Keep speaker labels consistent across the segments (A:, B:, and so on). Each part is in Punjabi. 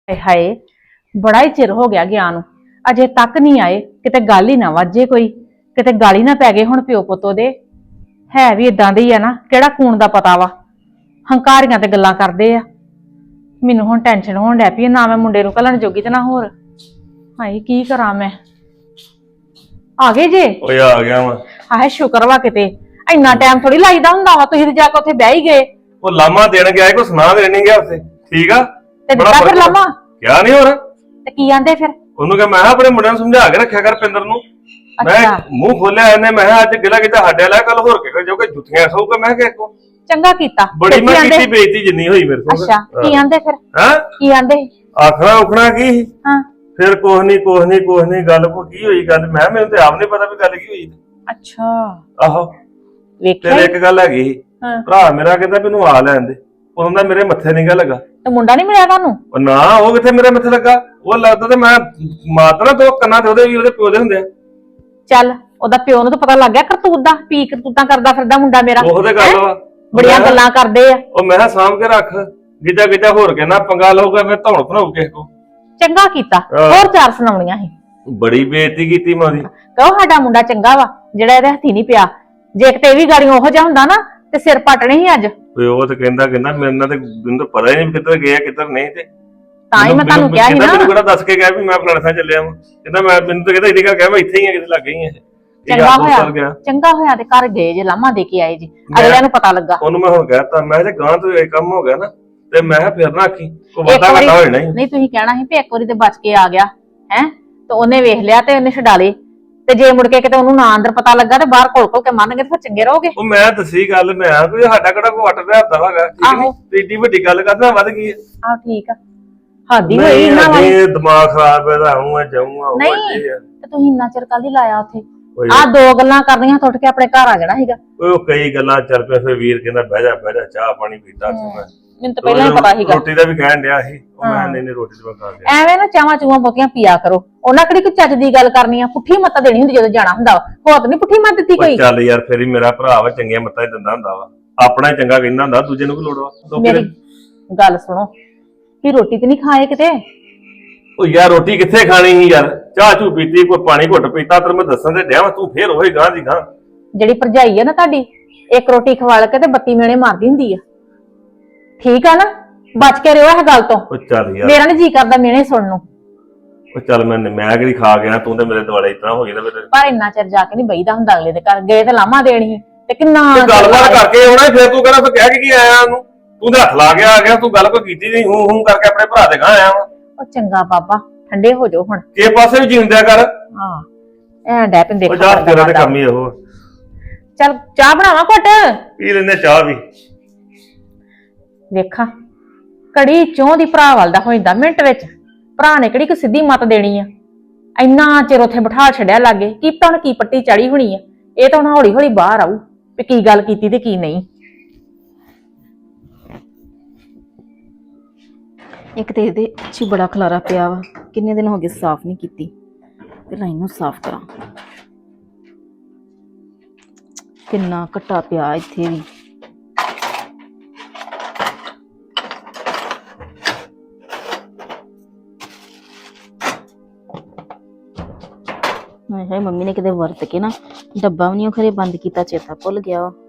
A: ਹਾਏ ਹਾਏ, ਬੜਾ ਹੀ ਚਿਰ ਹੋ ਗਿਆ ਗਿਆ ਨੂੰ, ਅਜੇ ਤੱਕ ਨਹੀਂ ਆਏ। ਕਿਤੇ ਗੱਲ ਹੀ ਨਾ ਵਾਜੇ, ਕੋਈ ਕਿਤੇ ਗਾਲੀ ਨਾ ਪੈ ਗਏ ਹੁਣ ਪਿਓ ਪੁੱਤੋ ਦੇ। ਹੈ ਵੀ ਇਦਾਂ ਦੇ ਹੀ ਆ ਨਾ, ਕਿਹੜਾ ਕੂਣ ਦਾ ਪਤਾ ਵਾ। ਹੰਕਾਰੀਆਂ ਤੇ ਗੱਲਾਂ ਕਰਦੇ ਆ। ਮੈਨੂੰ ਹੁਣ ਟੈਨਸ਼ਨ ਹੋਣ ਡੈ ਪਈ, ਨਾ ਮੈਂ ਮੁੰਡੇ ਨੂੰ ਘੱਲਣ ਜੋਗੀ ਤੇ ਨਾ ਹੋਰ। ਹਾਏ ਕੀ ਕਰਾਂ ਮੈਂ। ਆ ਗਏ ਜੇ?
B: ਓਏ ਆ ਗਿਆ ਵਾ।
A: ਹਾਏ ਸ਼ੁਕਰ ਵਾ, ਕਿਤੇ ਇੰਨਾ ਟਾਈਮ ਥੋੜੀ ਲਾਈਦਾ ਹੁੰਦਾ ਵਾ। ਤੁਸੀਂ ਤੇ ਜਾ ਕੇ ਉੱਥੇ ਬਹਿ ਹੀ ਗਏ।
B: ਉਹ ਲਾਮਾ ਦੇਣ ਗਿਆ ਕੋਈ ਸੁਣਾ ਦੇਣ ਨਹੀਂ ਗਿਆ ਉੱਥੇ। ਠੀਕ ਆ
A: ਤੇ ਦਿੱਤਾ ਫਿਰ ਲਾਮਾ?
B: ਕਿਹਾ ਨਹੀਂ ਹੋਰ।
A: ਤੇ ਕੀ ਆਂਦੇ ਫਿਰ?
B: ਉਹਨੂੰ ਕਿਹਾ ਮੈਂ ਆਪਣੇ ਮੁੰਡਿਆਂ ਨੂੰ ਸਮਝਾ ਕੇ ਰੱਖਿਆ ਕਰ ਪਿੰਦਰ ਨੂੰ। ਮੈਂ ਮੂੰਹ ਖੋਲਿਆ ਇਹਨੇ, ਮੈਂ ਅੱਜ ਗਿਲਾ ਕਿਤੇ ਸਾਡੇ ਵਾਲਾ ਕੱਲ ਹੋਰ ਕੇ ਜੋ ਕਿ ਜੁੱਤੀਆਂ ਖਾਊਗਾ। ਮੈਂ ਕਿਹਾ ਕੋ
A: ਚੰਗਾ ਕੀਤਾ।
B: ਬੜੀ ਮੈਂ ਕੀਤੀ ਬੇਇੱਜ਼ਤੀ ਜਿੰਨੀ ਹੋਈ ਮੇਰੇ ਕੋਲ।
A: ਅੱਛਾ ਕੀ ਆਂਦੇ ਫਿਰ?
B: ਹਾਂ
A: ਕੀ ਆਂਦੇ?
B: ਆਖਣਾ ਉਖਣਾ ਕੀ?
A: ਹਾਂ
B: ਫਿਰ ਕੁਛ ਨਹੀਂ ਗੱਲ ਕੋ ਕੀ ਹੋਈ ਗੱਲ। ਮੈਨੂੰ ਤੇ ਆਪ ਨਹੀਂ ਪਤਾ ਵੀ ਗੱਲ ਕੀ ਹੋਈ।
A: ਅੱਛਾ
B: ਆਹੋ
A: ਵੇਖਿਆ
B: ਤੇ ਇੱਕ ਗੱਲ ਹੈਗੀ ਭਰਾ ਮੇਰਾ ਕਹਿੰਦਾ ਮੈਨੂੰ ਆ ਲੈਣ ਦੇ। ਉਹਦਾ ਮੇਰੇ ਮੱਥੇ ਨਹੀਂ ਗਾ ਲੱਗਾ।
A: ਤੇ ਮੁੰਡਾ ਨਹੀਂ ਮਿਲਿਆ ਤੁਹਾਨੂੰ?
B: ਉਹ ਨਾ ਉਹ ਕਿੱਥੇ ਮੇਰੇ ਮੱਥੇ ਲੱਗਾ। ਉਹ ਲੱਗਦਾ ਤੇ ਮੈਂ ਮਾਰਦਾ ਦੋ ਕੰਨਾਂ ਤੇ ਉਹਦੇ ਵੀ ਉਹਦੇ ਪਿਓ ਦੇ ਹੁੰਦੇ ਆ।
A: ਚੱਲ ਉਹਦਾ ਪਿਓ ਨੂੰ ਤਾਂ ਪਤਾ ਲੱਗ ਗਿਆ ਕਰਤੂਤ ਦਾ, ਕੀ ਕਰਤੂਤਾਂ ਕਰਦਾ ਫਿਰਦਾ ਮੁੰਡਾ ਮੇਰਾ।
B: ਉਹਦੇ ਗੱਲ ਵਾ
A: ਬੜੀਆਂ ਗੱਲਾਂ ਕਰਦੇ ਆ।
B: ਉਹ ਮੈਂ ਸਾਂਭ ਕੇ ਰੱਖ, ਗਿੱਜਾ ਹੋਰ ਕੇ ਨਾ ਪੰਗਾ ਲਊਗਾ ਮੈਂ ਧੌਣ ਭਰਾਉ ਕਿਸੇ ਕੋ।
A: ਚੰਗਾ ਕੀਤਾ। ਹੋਰ ਚਾਰ ਸੁਣਾਉਣੀਆਂ ਸੀ।
B: ਬੜੀ ਬੇਇੱਜ਼ਤੀ ਕੀਤੀ ਮੈਂ ਉਹਦੀ।
A: ਕਹੋ ਸਾਡਾ ਮੁੰਡਾ ਚੰਗਾ ਵਾ ਜਿਹੜਾ ਇਹਦੇ ਹੱਥੀ ਨਹੀਂ ਪਿਆ। ਜੇ ਕਿਤੇ ਇਹ ਵੀ ਗਾੜੀਆਂ ਉਹੋ ਜਿਹਾ ਹੁੰਦਾ ਨਾ ਤੇ ਸਿਰ ਪਟਣੇ ਸੀ ਅੱਜ।
B: ਉਹ ਤੇ ਕਹਿੰਦਾ ਮੇਰੇ ਨਾਲ ਤੇ ਮੈਨੂੰ ਤਾਂ ਪਤਾ ਹੀ ਨਹੀਂ ਕਿੱਧਰ ਗਿਆ ਕਿੱਧਰ ਨਹੀਂ। ਤੇ
A: ਤਾਂ ਹੀ ਮੈਂ ਤੁਹਾਨੂੰ ਕਿਹਾ ਸੀ ਨਾ।
B: ਮੈਨੂੰ ਕਿਹੜਾ ਦੱਸ ਕੇ ਗਿਆ ਵੀ ਮੈਂ ਫਲਾਣੇ ਥਾਂ ਚੱਲਿਆ ਵਾਂ। ਕਹਿੰਦਾ ਮੈਨੂੰ ਤਾਂ ਕਹਿੰਦਾ ਇੰਨੀ ਗੱਲ ਕਿਹਾ ਮੈਂ ਇੱਥੇ ਹੀ ਆ, ਕਿਤੇ ਲੱਗ ਗਈ ਆ।
A: ਚੰਗਾ ਹੋਇਆ ਤੇ ਘਰ ਗਏ ਜੇ, ਲਾਮਾ ਦੇ ਕੇ ਆਏ ਜੀ, ਅਗਲਿਆਂ ਨੂੰ ਪਤਾ ਲੱਗਾ।
B: ਉਹਨੂੰ ਮੈਂ ਹੁਣ ਕਹਿਤਾ, ਮੈਂ ਜੇ ਗਾਂ ਤੋਂ ਇਹ ਕੰਮ ਹੋ ਗਿਆ ਨਾ ਤੇ ਮੈਂ ਫਿਰ ਨਾ ਆਖੀ ਕੋ ਵਾਦਾ ਘਟਾ ਹੋ ਜਾਣਾ।
A: ਨਹੀਂ ਤੁਸੀਂ ਕਹਿਣਾ ਸੀ ਵੀ ਇੱਕ ਵਾਰੀ ਤੇ ਬਚ ਕੇ ਆ ਗਿਆ ਹੈ, ਤੇ ਉਹਨੇ ਵੇਖ ਲਿਆ ਤੇ ਉਹਨੇ ਛਡਾ ਲਏ। ਤੇ ਜੇ ਮੁੜ ਕੇ ਕਿਤੇ ਉਹਨੂੰ ਨਾ ਅੰਦਰ ਪਤਾ ਲੱਗਾ ਤੇ ਬਾਹਰ ਘੋਲ ਕੇ ਮੰਨਗੇ ਤੇ ਫਿਰ ਚੰਗੇ ਰਹੋਗੇ।
B: ਉਹ ਮੈਂ ਦੱਸੀ ਗੱਲ, ਮੈਂ ਆ ਕੋਈ ਸਾਡਾ ਕਿਹੜਾ ਕੋ ਵੱਟ ਰਿਹਾ ਹੁੰਦਾ ਹੈਗਾ। ਠੀਕ ਨਹੀਂ ਤੇ ਏਡੀ ਵੱਡੀ ਗੱਲ ਕਰਦਾ ਵੱਧ ਗਈ ਹੈ।
A: ਆਹ ਠੀਕ ਆ, ਹਾਦੀ ਹੋਈ ਇਹਨਾਂ ਵਾਲੀ।
B: ਇਹ ਦਿਮਾਗ ਖਰਾਬ ਹੈ ਤਾਂ ਆਉਂਗਾ ਜਾਊਂਗਾ।
A: ਨਹੀਂ ਤੇ ਤੁਸੀਂ ਇੰਨਾ ਚਿਰ ਕੱਲ ਹੀ ਲਾਇਆ ਉੱਥੇ। ਆਹ ਦੋ ਗੱਲਾਂ ਕਰਨੀਆਂ ਟੁੱਟ ਕੇ ਆਪਣੇ ਘਰ ਆ ਜਾਣਾ ਸੀਗਾ।
B: ਉਹ ਕਈ ਗੱਲਾਂ ਚੱਲ ਪਿਆ। ਫਿਰ ਵੀਰ ਕਹਿੰਦਾ ਬਹਿ ਜਾ ਚਾਹ ਪਾਣੀ ਪੀਤਾ ਤੂੰ।
A: ਮੈਨੂੰ ਤਾਂ ਪਹਿਲਾਂ ਹੀ ਪਤਾ ਸੀਗਾ।
B: ਰੋਟੀ ਦਾ ਵੀ ਕਹਿਣ ਡਿਆ ਸੀ। ਉਹ ਮੈਂ ਨਹੀਂ ਰੋਟੀ ਤੇ ਮੈਂ ਖਾ ਲਿਆ।
A: ਐਵੇਂ ਨਾ ਚਾਵਾਂ ਚੂਵਾਂ ਬਹੁਤੀਆਂ ਪੀਆ ਕਰੋ। ਉਹਨਾਂ ਕਿਹੜੀ ਕੋਈ ਚੱਜ ਦੀ ਗੱਲ ਕਰਨੀ ਆ। ਪੁੱਠੀ ਮੱਤ ਦੇਣੀ ਹੁੰਦੀ ਜਦੋਂ ਜਾਣਾ ਹੁੰਦਾ ਵਾ। ਹੋਰ ਤਾਂ ਨਹੀਂ ਪੁੱਠੀ ਮੱਤ ਦਿੱਤੀ ਕੋਈ।
B: ਚੱਲ ਯਾਰ ਫਿਰ ਹੀ ਮੇਰਾ ਭਰਾ ਵਾ, ਚੰਗੀਆਂ ਮੱਤਾਂ ਹੀ ਦਿੰਦਾ ਹੁੰਦਾ ਵਾ। ਆਪਣਾ ਹੀ ਚੰਗਾ ਕਹਿੰਦਾ ਹੁੰਦਾ, ਦੂਜੇ ਨੂੰ ਕੀ ਲੋੜ ਵਾ।
A: ਮੇਰੀ ਗੱਲ ਸੁਣੋ ਵੀ ਰੋਟੀ ਤੇ ਨਹੀਂ ਖਾਏ ਕਿਤੇ?
B: ਉਹ ਯਾਰ ਰੋਟੀ ਕਿੱਥੇ ਖਾਣੀ ਸੀ ਯਾਰ। ਚਾਹ ਚੂ ਪੀਤੀ, ਕੋਈ ਪਾਣੀ ਘੁੱਟ ਪੀਤਾ। ਤੈਨੂੰ ਮੈਂ ਦੱਸਣ ਤੇ ਡਿਆ ਵਾ, ਤੂੰ ਫੇਰ ਉਹੀ ਗਾਂ ਦੀ ਗਾਂ। ਜਿਹੜੀ
A: ਭਰਜਾਈ ਆ ਨਾ ਤੁਹਾਡੀ, ਇੱਕ ਰੋਟੀ ਖਵਾ ਕੇ ਤੇ 32 ਮੇਣੇ ਮਾਰਦੀ ਹੁੰਦੀ ਆ। ਠੀਕ ਆ ਨਾ, ਬਚ ਕੇ ਰਿਓ ਇਹ ਗੱਲ ਤੋਂ।
B: ਉਹ ਚੱਲ ਯਾਰ
A: ਮੇਰਾ ਨੀ ਜੀ ਕਰਦਾ ਮੇਣੇ ਸੁਣਨ ਨੂੰ।
B: ਉਹ ਚੱਲ ਮੈਂ ਕਿਹੜੀ ਖਾ ਗਿਆ, ਤੂੰ ਤੇ ਮੇਰੇ ਦੁਆਲੇ ਇਤਨਾ ਹੋ ਗਿਆ।
A: ਪਰ ਇੰਨਾ ਚਿਰ ਜਾ ਕੇ ਨਹੀਂ ਬਈਦਾ ਹੁੰਦਾ ਅਗਲੇ ਦੇ ਘਰ। ਗਏ ਤੇ ਲਾਮਾ ਦੇਣੀ ਤੇ ਕਿੰਨਾ
B: ਗੱਲਬਾਤ ਕਰਕੇ ਆਉਣਾ। ਫਿਰ ਤੂੰ ਕਹਿੰਦਾ ਫਿਰ ਕਹਿ ਕੇ ਆਇਆ ਉਹਨੂੰ? ਤੂੰ ਤੇ ਹੱਥ ਲਾ ਕੇ ਆ ਗਿਆ। ਤੂੰ ਗੱਲ ਕੋਈ ਕੀਤੀ ਨਹੀਂ, ਹੂੰ ਕਰਕੇ ਆਪਣੇ ਭਰਾ ਦੇ ਗਾਂ ਆਇਆ ਵਾ।
A: ਉਹ ਚੰਗਾ ਬਾਬਾ ਠੰਡੇ ਹੋ ਜਾਓ ਹੁਣ।
B: ਕਿਸੇ ਪਾਸੇ ਵੀ ਜੀਂਦਿਆ ਕਰ।
A: ਹਾਂ ਐ ਡੈ ਪੈਂਦੇ।
B: ਉਹ ਜਾ ਤੇਰਾ ਤੇ ਕੰਮ ਹੀ ਇਹੋ।
A: ਚੱਲ ਚਾਹ ਬਣਾਵਾਂ ਘੁੱਟ? ਪੀ
B: ਲੈਂਦੇ ਚਾਹ ਵੀ।
A: ਵੇਖਾਂ ਕੜੀ ਚੋਂ ਦੀ ਭਰਾ ਵੱਲ ਦਾ ਹੋ ਜਾਂਦਾ ਮਿੰਟ ਵਿੱਚ। ਭਰਾ ਨੇ ਕਿਹੜੀ ਕੋਈ ਸਿੱਧੀ ਮੱਤ ਦੇਣੀ ਆ। ਇੰਨਾ ਚਿਰ ਉੱਥੇ ਬਿਠਾ ਛੱਡਿਆ ਲਾਗੇ, ਕੀ ਪਤਾ ਹੁਣ ਕੀ ਪੱਟੀ ਚੜੀ ਹੋਣੀ ਆ। ਇਹ ਤਾਂ ਹੁਣ ਹੌਲੀ ਹੌਲੀ ਬਾਹਰ ਆਊ ਵੀ ਕੀ ਗੱਲ ਕੀਤੀ ਤੇ ਕੀ ਨਹੀਂ। ਇੱਕ ਤੇ ਇਹਦੇ ਚ ਬੜਾ ਖਲਾਰਾ ਪਿਆ ਵਾ, ਕਿੰਨੇ ਦਿਨ ਹੋ ਗਏ ਸਾਫ਼ ਨਹੀਂ ਕੀਤੀ। ਪਹਿਲਾਂ ਇਹਨੂੰ ਸਾਫ਼ ਕਰਾਂ। ਕਿੰਨਾ ਘਟਾ ਪਿਆ ਇੱਥੇ ਵੀ। ਹਾਏ ਮੰਮੀ ਨੇ ਕਿਤੇ ਵਰਤ ਕੇ ਨਾ ਡੱਬਾ ਵੀ ਨਹੀਂ ਖਰੇ ਬੰਦ ਕੀਤਾ, ਚੇਤਾ ਭੁੱਲ ਗਿਆ ਵਾ।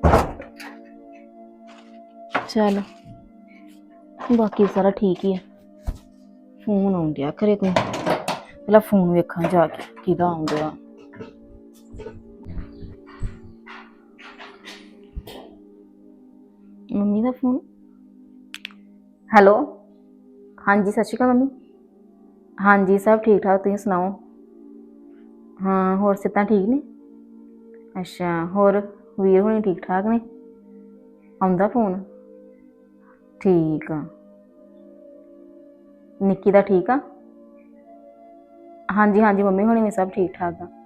A: ਚੱਲ ਬਾਕੀ ਸਾਰਾ ਠੀਕ ਹੀ ਆ। ਫੋਨ ਆਉਣ ਡਿਆ ਖਰੇ ਕੋਈ, ਪਹਿਲਾਂ ਫੋਨ ਵੇਖਾਂ ਜਾ ਕੇ ਕਿਹਦਾ ਆਉਂਦਾ। ਮੰਮੀ ਦਾ ਫੋਨ। ਹੈਲੋ ਹਾਂਜੀ ਸਤਿ ਸ਼੍ਰੀ ਅਕਾਲ ਮੰਮੀ। ਹਾਂਜੀ ਸਭ ਠੀਕ ਠਾਕ, ਤੁਸੀਂ ਸੁਣਾਓ? ਹਾਂ ਹੋਰ ਸਿਹਤਾਂ ਠੀਕ ਨੇ? ਅੱਛਾ ਹੋਰ ਵੀਰ ਹੋਣੀ ਠੀਕ ਠਾਕ ਨੇ? ਆਉਂਦਾ ਫੋਨ? ਠੀਕ ਆ। ਨਿੱਕੀ ਦਾ ਠੀਕ ਆ? ਹਾਂਜੀ ਮੰਮੀ ਹੋਣੀ ਵੀ ਸਭ ਠੀਕ ਠਾਕ ਆ।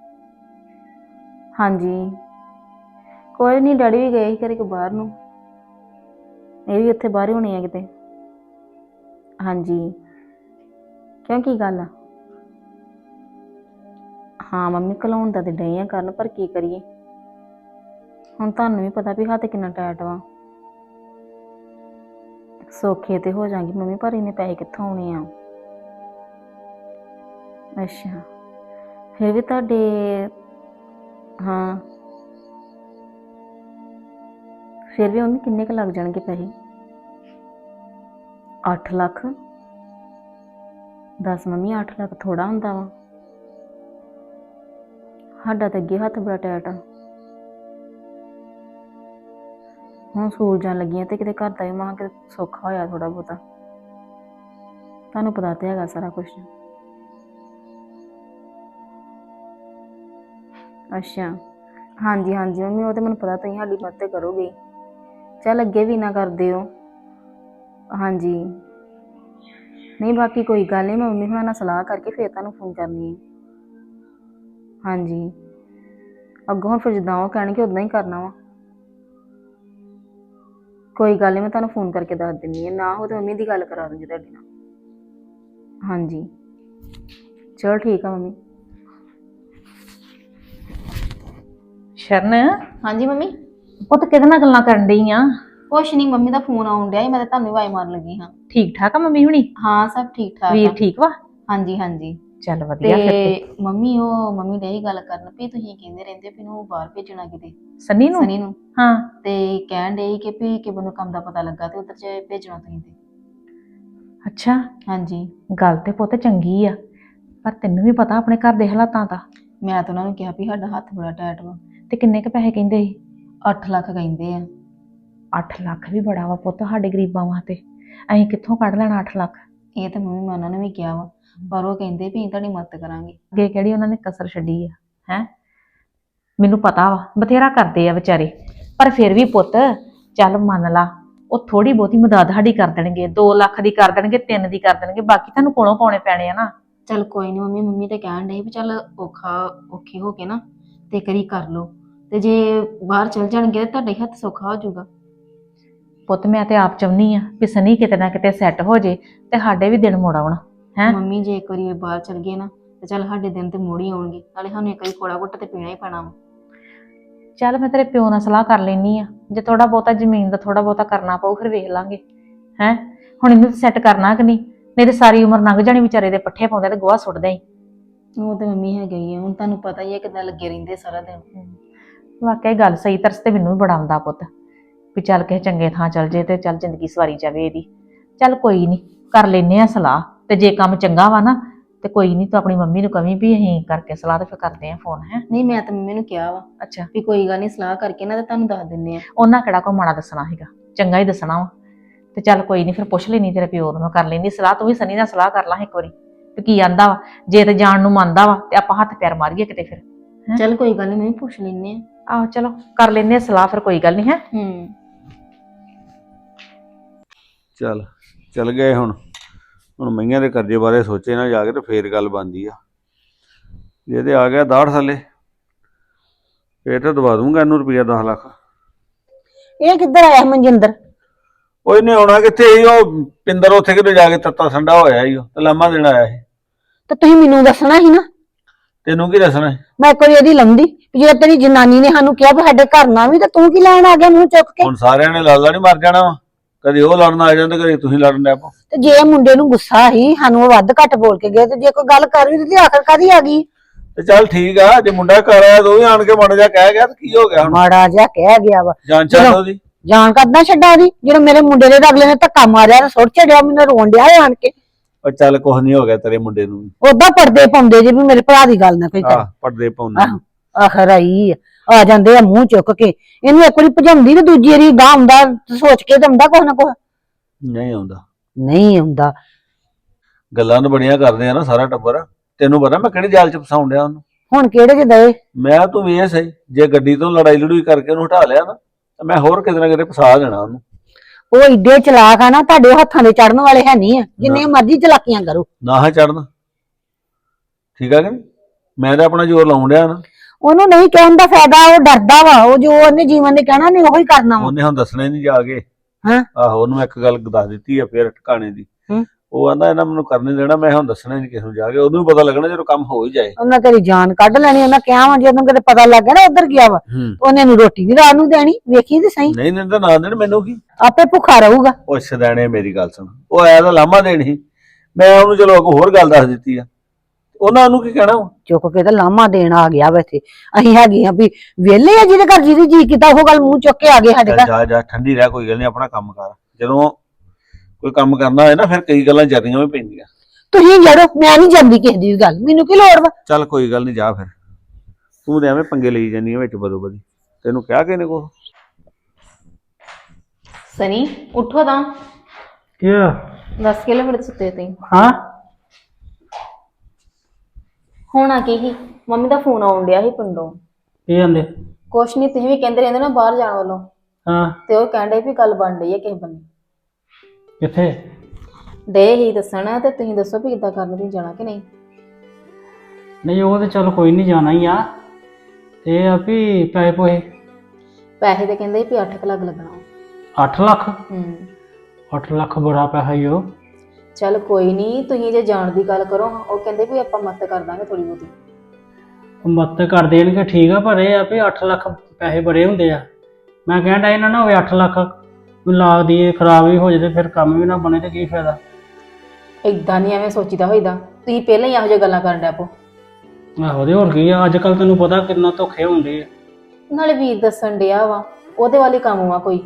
A: ਹਾਂਜੀ ਕੋਈ ਨਹੀਂ, ਡੈਡੀ ਵੀ ਗਏ ਸੀ ਘਰੇ ਕੋ ਬਾਹਰ ਨੂੰ। ਇਹ ਵੀ ਉੱਥੇ ਬਾਹਰ ਹੋਣੇ ਆ ਕਿਤੇ। ਹਾਂਜੀ ਕਿਉਂ ਕੀ ਗੱਲ ਆ? ਹਾਂ ਮੰਮੀ ਘਲਾਉਣ ਦਾ ਤੇ ਡਏ ਆ ਕਰਨ, ਪਰ ਕੀ ਕਰੀਏ ਹੁਣ। ਤੁਹਾਨੂੰ ਵੀ ਪਤਾ ਵੀ ਹੱਥ ਕਿੰਨਾ ਟਾਈਟ ਵਾ। ਸੌਖੇ ਤੇ ਹੋ ਜਾਣਗੇ ਮੰਮੀ, ਪਰ ਇੰਨੇ ਪੈਸੇ ਕਿੱਥੋਂ ਆਉਣੇ ਆ।
C: ਅੱਛਾ, ਫਿਰ ਵੀ ਤੁਹਾਡੇ ਹਾਂ ਫਿਰ ਵੀ ਮੰਮੀ ਕਿੰਨੇ ਕੁ ਲੱਗ ਜਾਣਗੇ ਪੈਸੇ? 8 ਲੱਖ? ਦੱਸ ਮੰਮੀ, 8 ਲੱਖ ਥੋੜਾ ਹੁੰਦਾ ਵਾ? ਸਾਡਾ ਤਾਂ ਅੱਗੇ ਹੱਥ ਬੜਾ ਟੈਟ ਆ। ਹੁਣ ਸਕੂਲ ਜਾਣ ਲੱਗੀਆਂ ਤੇ ਕਿਤੇ ਘਰ ਦਾ ਵੀ ਮਾਂ ਕਿਤੇ ਸੌਖਾ ਹੋਇਆ ਥੋੜਾ ਬਹੁਤਾ। ਤੁਹਾਨੂੰ ਪਤਾ ਤੇ ਹੈਗਾ ਸਾਰਾ ਕੁਝ। ਅੱਛਾ, ਹਾਂਜੀ ਹਾਂਜੀ ਮੰਮੀ, ਉਹ ਤੇ ਮੈਨੂੰ ਪਤਾ ਤੁਸੀਂ ਸਾਡੀ ਮਦਦ ਕਰੋਗੇ। ਚੱਲ ਅੱਗੇ ਵੀ ਨਾ ਕਰਦੇ ਹੋ। ਹਾਂਜੀ, ਨਹੀਂ ਬਾਕੀ ਕੋਈ ਗੱਲ ਨਹੀਂ, ਮੈਂ ਮੰਮੀ ਹੁਣਾਂ ਨਾਲ ਸਲਾਹ ਕਰਕੇ ਫਿਰ ਤੁਹਾਨੂੰ ਫੋਨ ਕਰਨੀ ਹੈ। ਹਾਂਜੀ, ਅੱਗੋਂ ਹੁਣ ਫਿਰ ਜਿੱਦਾਂ ਉਹ ਕਹਿਣਗੇ ਉਦਾਂ ਹੀ ਕਰਨਾ ਵਾ। ਕੋਈ ਗੱਲ ਨਹੀਂ, ਮੈਂ ਤੁਹਾਨੂੰ ਫੋਨ ਕਰਕੇ ਦੱਸ ਦਿੰਦੀ ਹਾਂ, ਨਾ ਹੋ ਤਾਂ ਮੰਮੀ ਦੀ ਗੱਲ ਕਰਾ ਦੂੰਗੀ ਤੁਹਾਡੇ ਨਾਲ। ਹਾਂਜੀ ਚਲੋ ਠੀਕ ਆ ਮੰਮੀ।
A: ਸ਼ਰਨ,
C: ਹਾਂਜੀ ਮੰਮੀ।
A: ਪੁੱਤ ਕਿਹਦੇ ਨਾਲ ਗੱਲਾਂ ਕਰਨ ਡਈ ਆ?
C: ਕੁਛ ਨਹੀਂ, ਮੰਮੀ ਦਾ ਫੋਨ ਆਉਣ ਡਿਆ ਸੀ, ਮੈਂ ਤਾਂ ਤੁਹਾਨੂੰ ਹੀ ਆਵਾਜ਼ ਮਾਰਨ ਲੱਗੀ ਹਾਂ।
A: ਠੀਕ ਠਾਕ ਆ ਮੰਮੀ ਹੁਣੀ?
C: ਹਾਂ ਸਭ ਠੀਕ ਠਾਕ
A: ਵੀਰ
C: ਆ।
A: ਠੀਕ ਵਾ?
C: ਹਾਂਜੀ ਹਾਂਜੀ।
A: ਚੱਲ ਵਧੀਆ ਫਿਰ ਤੇ।
C: ਤੇ ਮੰਮੀ ਨੇ ਇਹ ਗੱਲ ਕਰਨ ਵੀ ਤੁਸੀਂ ਕਹਿੰਦੇ ਰਹਿੰਦੇ ਵੀ ਇਹਨੂੰ ਬਾਹਰ ਭੇਜਣਾ ਕਿਤੇ,
A: ਸਨੀ ਨੂੰ?
C: ਸਨੀ ਨੂੰ।
A: ਹਾਂ।
C: ਤੇ ਕਹਿਣ ਡਏ ਕਿ ਵੀ ਕਿਸੇ ਨੂੰ ਕੰਮ ਦਾ ਪਤਾ ਲੱਗਾ ਤੇ ਉਧਰ ਚ ਭੇਜਣਾ ਤੁਸੀਂ ਤੇ।
A: ਅੱਛਾ,
C: ਹਾਂਜੀ।
A: ਗੱਲ ਤੇ ਪੁੱਤ ਚੰਗੀ ਆ, ਪਰ ਤੈਨੂੰ ਵੀ ਪਤਾ ਆਪਣੇ ਘਰ ਦੇ ਹਾਲਾਤਾਂ ਦਾ।
C: ਮੈਂ ਤਾਂ ਉਹਨਾਂ ਨੂੰ ਕਿਹਾ ਵੀ ਸਾਡਾ ਹੱਥ ਬੜਾ ਟੈਟ ਵਾ।
A: ਤੇ ਕਿੰਨੇ ਕ ਪੈਸੇ ਕਹਿੰਦੇ ਸੀ?
C: 8 ਲੱਖ ਕਹਿੰਦੇ ਆ।
A: 8 ਲੱਖ ਵੀ ਬੜਾ ਵਾ ਪੁੱਤ ਸਾਡੇ ਗਰੀਬਾਂ ਵਾਸਤੇ। ਅਸੀਂ ਕਿੱਥੋਂ ਕੱਢ ਲੈਣਾ 8 ਲੱਖ?
C: ਇਹ ਤਾਂ ਮੰਮੀ ਮੈਂ ਉਹਨਾਂ ਨੂੰ ਵੀ ਕਿਹਾ ਵਾ, ਪਰ ਉਹ ਕਹਿੰਦੇ ਵੀ ਅਸੀਂ ਤੁਹਾਡੀ ਮਦਦ ਕਰਾਂਗੇ।
A: ਅੱਗੇ ਕਿਹੜੀ ਉਹਨਾਂ ਨੇ ਕਸਰ ਛੱਡੀ ਆ? ਹੈ, ਮੈਨੂੰ ਪਤਾ ਵਾ ਬਥੇਰਾ ਕਰਦੇ ਆ ਵਿਚਾਰੇ, ਪਰ ਫਿਰ ਵੀ ਪੁੱਤ ਚੱਲ ਮੰਨ ਲਾ, ਉਹ ਥੋੜੀ ਬਹੁਤੀ ਮਦਦ ਸਾਡੀ ਕਰ ਦੇਣਗੇ, 2 ਲੱਖ ਦੀ ਕਰ ਦੇਣਗੇ, 3 ਦੀ ਕਰ ਦੇਣਗੇ, ਬਾਕੀ ਤੁਹਾਨੂੰ ਕੋਲੋਂ ਪਾਉਣੇ ਪੈਣੇ ਆ ਨਾ।
C: ਚੱਲ ਕੋਈ ਨਹੀਂ ਮੰਮੀ ਤੇ ਕਹਿਣ ਡਏ ਵੀ ਚੱਲ ਔਖੇ ਹੋ ਕੇ ਨਾ ਤੇ ਕਰੀ ਕਰ ਲੋ, ਤੇ ਜੇ ਬਾਹਰ ਚਲ ਜਾਣਗੇ ਤਾਂ ਤੁਹਾਡੇ ਹੱਥ ਸੌਖਾ ਹੋ ਜਾਊਗਾ।
A: ਪੁੱਤ ਮੈਂ ਤੇ ਆਪ ਚਾਹੁੰਦੀ ਆ ਵੀ ਸਨੀ ਕਿਤੇ ਨਾ ਕਿਤੇ ਸੈੱਟ ਹੋ ਜੇ ਤੇ ਸਾਡੇ ਵੀ ਦਿਨ ਮੁੜ ਆਉਣ। ਹੈ
C: ਮੰਮੀ, ਜੇ ਇੱਕ ਵਾਰੀ ਬਾਹਰ ਚਲ ਗਏ ਨਾ ਤੇ ਚੱਲ ਸਾਡੇ ਦਿਨ ਤੇ ਮੁੜ ਹੀ ਆਉਣਗੇ, ਨਾਲੇ ਸਾਨੂੰ ਇੱਕ ਵਾਰੀ ਕੋੜਾ ਘੁੱਟ ਤੇ ਪੀਣਾ ਹੀ ਪੈਣਾ ਵਾ।
A: ਚੱਲ ਮੈਂ ਤੇਰੇ ਪਿਓ ਨਾਲ ਸਲਾਹ ਕਰ ਲੈਣੀ ਆ, ਜੇ ਥੋੜਾ ਬਹੁਤਾ ਜ਼ਮੀਨ ਦਾ ਥੋੜਾ ਬਹੁਤਾ ਕਰਨਾ ਪਊ ਫਿਰ ਵੇਖ ਲਾਂਗੇ। ਹੈ ਹੁਣ ਇਹਨੂੰ ਸੈੱਟ ਕਰਨਾ ਕਿ ਨਹੀਂ ਤੇ ਸਾਰੀ ਉਮਰ ਲੰਘ ਜਾਣੀ ਵਿਚਾਰੇ ਦੇ ਪੱਠੇ ਪਾਉਂਦੇ ਤੇ ਗੋਹਾ ਸੁੱਟਦੇ ਹੀ।
C: ਉਹ ਤੇ ਮੰਮੀ ਹੈਗਾ ਹੀ ਆ, ਹੁਣ ਤੁਹਾਨੂੰ ਪਤਾ ਹੀ ਹੈ ਕਿੱਦਾਂ ਲੱਗੇ ਰਹਿੰਦੇ ਸਾਰਾ ਦਿਨ।
A: ਵਾਕਈ ਗੱਲ ਸਹੀ, ਤਰਸ ਤੇ ਮੈਨੂੰ ਵੀ ਬੜਾ ਆਉਂਦਾ ਪੁੱਤ ਵੀ ਚੱਲ ਕਿਸੇ ਚੰਗੇ ਥਾਂ ਚੱਲ ਜੇ ਤੇ ਚੱਲ ਜ਼ਿੰਦਗੀ ਸਵਾਰੀ ਜਾਵੇ ਇਹਦੀ। ਚੱਲ ਕੋਈ ਨਹੀਂ, ਕਰ ਲੈਨੇ ਆ ਸਲਾਹ, ਤੇ ਜੇ ਕੰਮ ਚੰਗਾ ਵਾ ਨਾ ਤੇ ਕੋਈ ਨਹੀਂ, ਤੂੰ ਆਪਣੀ ਮੰਮੀ ਨੂੰ ਕਵੀਂ ਵੀ ਅਸੀਂ ਕਰਕੇ ਸਲਾਹ ਤੇ ਫਿਰ ਕਰਦੇ ਆ ਫੋਨ। ਹੈ
C: ਨਹੀਂ, ਮੈਂ ਤਾਂ ਮੰਮੀ ਨੂੰ ਕਿਹਾ ਵਾ
A: ਅੱਛਾ,
C: ਵੀ ਕੋਈ ਗੱਲ ਨਹੀਂ, ਸਲਾਹ ਕਰਕੇ ਨਾ ਤੇ ਤੁਹਾਨੂੰ ਦੱਸ ਦਿੰਨੇ ਆ।
A: ਉਹਨਾਂ ਕਿਹੜਾ ਕੋ ਮਾੜਾ ਦੱਸਣਾ ਹੈਗਾ, ਚੰਗਾ ਹੀ ਦੱਸਣਾ ਵਾ। ਤੇ ਚੱਲ ਕੋਈ ਨਹੀਂ, ਫਿਰ ਪੁੱਛ ਲੈਣੀ ਤੇਰੇ ਪਿਓ ਨੂੰ, ਮੈਂ ਕਰ ਲੈਂਦੀ ਸਲਾਹ, ਤੂੰ ਵੀ ਸਨੀ ਨਾਲ ਸਲਾਹ ਕਰ ਲਾ ਇੱਕ ਵਾਰੀ ਤੇ ਕੀ ਆਂਦਾ ਵਾ। ਜੇ ਤੇ ਜਾਣ ਨੂੰ ਮੰਨਦਾ ਵਾ ਤੇ ਆਪਾਂ ਹੱਥ ਪੈਰ ਮਾਰੀਏ ਕਿਤੇ ਫਿਰ।
C: ਚੱਲ ਕੋਈ ਗੱਲ ਨਹੀਂ, ਮੈਂ ਪੁੱਛ ਲੈਨੇ ਆ।
A: ਆਹੋ ਚਲੋ ਕਰ ਲੈਨੇ ਆ ਸਲਾਹ ਫਿਰ, ਕੋਈ ਗੱਲ ਨਹੀਂ। ਹੈ
D: ਚੱਲ ਗਏ ਹੁਣ ਮਈਆਂ ਦੇ ਕਰਜ਼ੇ ਬਾਰੇ ਸੋਚੇ ਨਾ ਜਾ ਕੇ ਤੇ ਫੇਰ ਗੱਲ ਬਣਦੀ ਆ। ਜੇ ਤੇ ਆ ਗਿਆ ਦਾੜ ਥੱਲੇ ਫੇਰ ਤਾਂ ਦਵਾ ਦੂੰਗਾ ਇਹਨੂੰ ਰੁਪਈਆ 10 ਲੱਖ।
E: ਇਹ ਕਿੱਧਰ ਆਇਆ ਮਨਜਿੰਦਰ?
D: ਉਹ ਇਹਨੇ ਆਉਣਾ ਕਿੱਥੇ ਸੀ, ਉਹ ਪਿੰਦਰ ਉੱਥੇ ਕਿਤੇ ਜਾ ਕੇ ਤੱਤਾ ਠੰਡਾ ਹੋਇਆ ਸੀ, ਉਹ ਤੇ ਲਾਮਾ ਦੇਣ ਆਇਆ ਸੀ।
E: ਤੇ ਤੁਸੀਂ ਮੈਨੂੰ ਦੱਸਣਾ ਸੀ ਨਾ।
D: ਤੈਨੂੰ ਕੀ ਦੱਸਣਾ?
E: ਮੈਂ ਇੱਕ ਵਾਰੀ ਇਹਦੀ ਲੰਦੀ ਜੇ ਤੇਰੀ ਜਨਾਨੀ ਨੇ ਸਾਨੂੰ ਕਿਹਾ ਵੀ ਸਾਡੇ ਘਰ ਨਾ ਵੀ, ਤੇ ਤੂੰ ਕੀ ਲੈਣ ਆ ਗਿਆ ਮੂੰਹ ਚੁੱਕ ਕੇ?
D: ਹੁਣ ਸਾਰਿਆਂ ਨੇ ਲਾਲਾ ਨਹੀਂ ਮਰ ਜਾਣਾ ਵਾ, ਕਦੇ ਉਹ ਲੜਨ ਆ ਜਾਂਦੇ, ਕਦੇ ਤੁਸੀਂ ਲੜਨ ਲੱਗ ਪਓ।
E: ਤੇ ਜੇ ਮੁੰਡੇ ਨੂੰ ਗੁੱਸਾ ਸੀ, ਸਾਨੂੰ ਉਹ ਵੱਧ ਘੱਟ ਬੋਲ ਕੇ ਗਏ, ਤੇ ਜੇ ਕੋਈ ਗੱਲ ਕਰ ਵੀ ਦਿੱਤੀ ਆਖਰ ਕਾਦੀ ਆ ਗਈ?
D: ਤੇ ਚੱਲ ਠੀਕ ਆ, ਜੇ ਮੁੰਡਾ ਘਰ ਆਇਆ ਤੂੰ ਵੀ ਆਣ ਕੇ ਮਾੜਾ ਜਿਹਾ ਕਹਿ ਗਿਆ ਤੇ ਕੀ ਹੋ ਗਿਆ ਹੁਣ?
E: ਮਾੜਾ ਜਿਹਾ ਕਹਿ ਗਿਆ ਵਾ,
D: ਜਾਨ ਚੱਲ ਉਹਦੀ।
E: ਜਾਣ ਕਰਦਾ ਛੱਡਾ ਦੀ, ਜਦੋਂ ਮੇਰੇ ਮੁੰਡੇ ਦੇ ਅਗਲੇ ਨੇ ਧੱਕਾ ਮਾਰਿਆ ਤੇ ਸੁੱਟ ਛੱਡਿਆ, ਮੈਨੂੰ ਰੋਣ ਡਿਆ ਆਣ ਕੇ।
D: ਉਹ ਚੱਲ ਕੁਛ ਨਹੀਂ ਹੋ ਗਿਆ ਤੇਰੇ ਮੁੰਡੇ ਨੂੰ।
E: ਉਦਾਂ ਪਰਦੇ ਪਾਉਂਦੇ ਜੇ ਵੀ ਮੇਰੇ ਭਰਾ ਦੀ ਗੱਲ ਨਾ ਕੋਈ ਕਰ।
D: ਪਰਦੇ ਪਾਉਂਦੇ
E: ਆਖਰ ਆਈ ਆ ਜਾਂਦੇ ਆ ਮੂੰਹ ਚੁੱਕ ਕੇ, ਇਹਨੂੰ ਇੱਕ ਵਾਰੀ ਭਜਾਉਂਦੀ ਤੇ ਦੂਜੀ ਵਾਰੀ ਗਾਂ ਆਉਂਦਾ ਸੋਚ ਕੇ ਤੇ ਆਉਂਦਾ ਕੁਛ ਨਾ ਕੁਛ।
D: ਨਹੀਂ ਆਉਂਦਾ,
E: ਨਹੀਂ ਆਉਂਦਾ।
D: ਗੱਲਾਂ ਤਾਂ ਬੜੀਆਂ ਕਰਦੇ ਆ ਨਾ ਸਾਰਾ ਟੱਬਰ। ਤੈਨੂੰ ਪਤਾ ਮੈਂ ਕਿਹੜੇ ਜਾਲ ਚ ਫਸਾਉਣ ਡਿਆ ਉਹਨੂੰ?
E: ਹੁਣ ਕਿਹੜੇ ਚ ਦਏ?
D: ਮੈਂ ਤੂੰ ਵੇਖ ਸਹੀ, ਜੇ ਗੱਡੀ ਤੋਂ ਲੜਾਈ ਲੜੂਈ ਕਰਕੇ ਉਹਨੂੰ ਹਟਾ ਲਿਆ ਨਾ ਤਾਂ ਮੈਂ ਹੋਰ ਕਿਤੇ ਨਾ ਕਿਤੇ ਫਸਾ ਦੇਣਾ ਉਹਨੂੰ।
E: ਉਹ ਏਡੇ ਚਲਾਕ ਆ ਨਾ, ਤੁਹਾਡੇ ਹੱਥਾਂ ਦੇ ਚੜਨ ਵਾਲੇ ਹੈ ਨਹੀਂ ਆ, ਜਿੰਨੇ ਮਰਜ਼ੀ ਚਲਾਕੀਆਂ ਕਰੋ।
D: ਨਾ ਚੜਨ, ਠੀਕ ਆ ਕਿ ਨਹੀਂ? ਮੈਂ ਤਾਂ ਆਪਣਾ ਜ਼ੋਰ ਲਾਉਣ ਡਿਆ ਨਾ।
E: ਉਹਨੂੰ ਨਹੀਂ ਕਹਿਣ ਦਾ ਫਾਇਦਾ, ਉਹ ਡਰਦਾ ਵਾ, ਉਹ ਜੋ ਉਹਨੇ ਜੀਵਨ ਨੇ ਕਹਿਣਾ ਨਹੀਂ ਉਹੀ ਕਰਨਾ ਵਾ।
D: ਉਹਨੇ ਹੁਣ ਦੱਸਣਾ ਹੀ ਨਹੀਂ ਜਾ ਕੇ।
E: ਹਾਂ
D: ਆਹੋ, ਉਹਨੂੰ ਇੱਕ ਗੱਲ ਦੱਸ ਦਿੱਤੀ ਆ ਫੇਰ ਟਿਕਾਣੇ ਦੀ। ਉਹ ਆਂਦਾ ਇਹਨਾਂ ਮੈਨੂੰ ਕਰਨ ਨਹੀਂ ਦੇਣਾ, ਮੈਂ ਹੁਣ ਦੱਸਣਾ ਨਹੀਂ ਕਿਸੇ ਨੂੰ ਜਾ ਕੇ। ਉਹਨੂੰ ਵੀ ਪਤਾ ਲੱਗਣਾ ਜਦੋਂ ਕੰਮ ਹੋ ਹੀ ਜਾਏ।
E: ਉਹਨਾਂ ਤੇਰੀ ਜਾਨ ਕੱਢ ਲੈਣੀ, ਉਹਨਾਂ ਕਿਹਾ ਵਾ ਜਦੋਂ ਕਿਤੇ ਪਤਾ ਲੱਗ ਗਿਆ ਨਾ ਉੱਧਰ ਗਿਆ ਵਾ, ਉਹਨੇ ਨੂੰ ਰੋਟੀ ਵੀ ਰਾਤ ਨੂੰ ਦੇਣੀ, ਵੇਖੀ ਤੇ ਸਹੀ।
D: ਨਹੀਂ ਤਾਂ ਨਾ ਦੇਣ, ਮੈਨੂੰ ਕੀ,
E: ਆਪੇ ਭੁੱਖਾ ਰਹੂਗਾ।
D: ਉਹ ਸਦਾਣੇ ਮੇਰੀ ਗੱਲ ਸੁਣ, ਉਹ ਆਇਆ ਤਾਂ ਲਾਮਾ ਦੇਣ ਸੀ, ਮੈਂ ਉਹਨੂੰ ਚਲੋ ਇੱਕ ਹੋਰ ਗੱਲ ਦੱਸ ਦਿੱਤੀ ਆ। ਉਹਨਾਂ ਨੂੰ ਕੀ ਕਹਿਣਾ ਵਾ?
E: ਚੁੱਕ ਕੇ ਤੇ ਲਾਮਾ ਦੇਣ ਆ ਗਿਆ ਵਾ ਇੱਥੇ। ਅਸੀਂ ਹੈਗੇ ਆ ਵੀ ਵਿਹਲੇ ਆ, ਜਿਹਦੇ ਘਰ ਜਿਹਦੀ ਜੀ ਕੀਤਾ ਉਹ ਗੱਲ ਮੂੰਹ ਚੁੱਕ ਕੇ ਆ ਗਏ ਸਾਡੇ
D: ਚੱਲ
E: ਘਰ।
D: ਜਾ ਜਾ ਠੰਡੀ ਰਹਿ, ਕੋਈ ਗੱਲ ਨਹੀਂ, ਆਪਣਾ ਕੰਮ ਕਰ। ਜਦੋਂ ਕੋਈ ਕੰਮ ਕਰਨਾ ਹੋਏ ਨਾ ਫਿਰ ਕਈ ਗੱਲਾਂ ਜ਼ਿਆਦੀਆਂ ਵੀ ਪੈਂਦੀਆਂ।
E: ਤੁਸੀਂ ਜੜੋ, ਮੈਂ ਨਹੀਂ ਜਾਂਦੀ ਕਿਸੇ ਦੀ ਵੀ ਗੱਲ, ਮੈਨੂੰ ਕੀ ਲੋੜ ਵਾ।
D: ਚੱਲ ਕੋਈ ਗੱਲ ਨਹੀਂ, ਜਾ ਫਿਰ। ਤੂੰ ਤੇ ਐਵੇਂ ਪੰਗੇ ਲਈ ਜਾਂਦੀ ਆ ਵਿੱਚ ਬਦੋ ਬਦੀ। ਤੈਨੂੰ ਕਿਹਾ ਕਿਹਨੇ ਕੋ?
C: ਸਨੀ ਉੱਠੋ ਤਾਂ।
F: ਕੀ ਹੋਇਆ?
C: ਦੱਸ ਕਿਲੇ ਬੜੇ ਸੁੱਤੇ ਤੁਸੀਂ?
F: ਹਾਂ
C: ਹੋਣਾ ਕੀ ਸੀ, ਮੰਮੀ ਦਾ ਫੋਨ ਆਉਣ ਡਿਆ ਸੀ ਪਿੰਡੋਂ।
F: ਕੀ ਜਾਂਦੇ?
C: ਕੁਛ ਨਹੀਂ, ਤੁਸੀਂ ਵੀ ਕਹਿੰਦੇ ਰਹਿੰਦੇ ਨਾ ਬਾਹਰ ਜਾਣ ਵੱਲੋਂ,
F: ਹਾਂ
C: ਤੇ ਉਹ ਕਹਿੰਦੇ ਵੀ ਗੱਲ ਬਣ ਰਹੀ ਹੈ ਕਿਸੇ ਬੰਨੇ।
F: ਕਿੱਥੇ?
C: ਡੇ ਹੀ ਦੱਸਣਾ ਤੇ ਤੁਸੀਂ ਦੱਸੋ ਵੀ ਕਿੱਦਾਂ ਕਰਨਾ, ਤੁਸੀਂ ਜਾਣਾ ਕਿ ਨਹੀਂ?
F: ਨਹੀਂ ਉਹ ਤੇ ਚਲ ਕੋਈ ਨਹੀਂ, ਜਾਣਾ ਹੀ ਆ। ਇਹ ਆ ਵੀ ਪੈਸੇ ਪੋਏ
C: ਪੈਸੇ ਤੇ ਕਹਿੰਦੇ ਵੀ 8 ਲੱਖ ਲੱਗਣਾ।
F: 8 ਲੱਖ? 8 ਲੱਖ ਬੜਾ ਪੈਸਾ ਹੀ ਉਹ।
C: ਚੱਲ ਕੋਈ ਨਹੀਂ, ਤੁਸੀਂ ਜੇ ਜਾਣ ਦੀ ਗੱਲ ਕਰੋ, ਉਹ ਕਹਿੰਦੇ ਵੀ ਆਪਾਂ ਮਦਦ ਕਰ ਦਾਂਗੇ ਥੋੜੀ ਬਹੁਤੀ।
F: ਉਹ ਮਦਦ ਕਰ ਦੇਣਗੇ ਠੀਕ ਆ, ਪਰ ਇਹ ਆ ਵੀ 8 ਲੱਖ ਪੈਸੇ ਬੜੇ ਹੁੰਦੇ ਆ। ਮੈਂ ਕਹਿੰਦਾ ਇਹਨਾਂ ਨਾ ਹੋਵੇ 8 ਲੱਖ ਲਾ ਦੀਏ, ਖਰਾਬ ਵੀ ਹੋ ਜਾਏ ਤੇ ਫਿਰ ਕੰਮ ਵੀ ਨਾ ਬਣੇ ਤੇ ਕੀ ਫਾਇਦਾ।
C: ਏਦਾਂ ਨਹੀਂ ਐਵੇਂ ਸੋਚੀਦਾ ਹੋਈਦਾ, ਤੁਸੀਂ ਪਹਿਲਾਂ ਹੀ ਇਹੋ ਜਿਹੀਆਂ ਗੱਲਾਂ ਕਰਨ ਡੈ ਪੋ।
F: ਆਹੋ ਤੇ ਹੋਰ ਕੀ ਆ, ਅੱਜ ਕੱਲ ਤੈਨੂੰ ਪਤਾ ਕਿੰਨਾ ਧੋਖੇ ਹੁੰਦੇ ਆ।
C: ਨਾਲੇ ਵੀਰ ਦੱਸਣ ਡਿਆ ਵਾ, ਉਹਦੇ ਵਾਲੀ ਕੰਮ ਵਾ ਕੋਈ।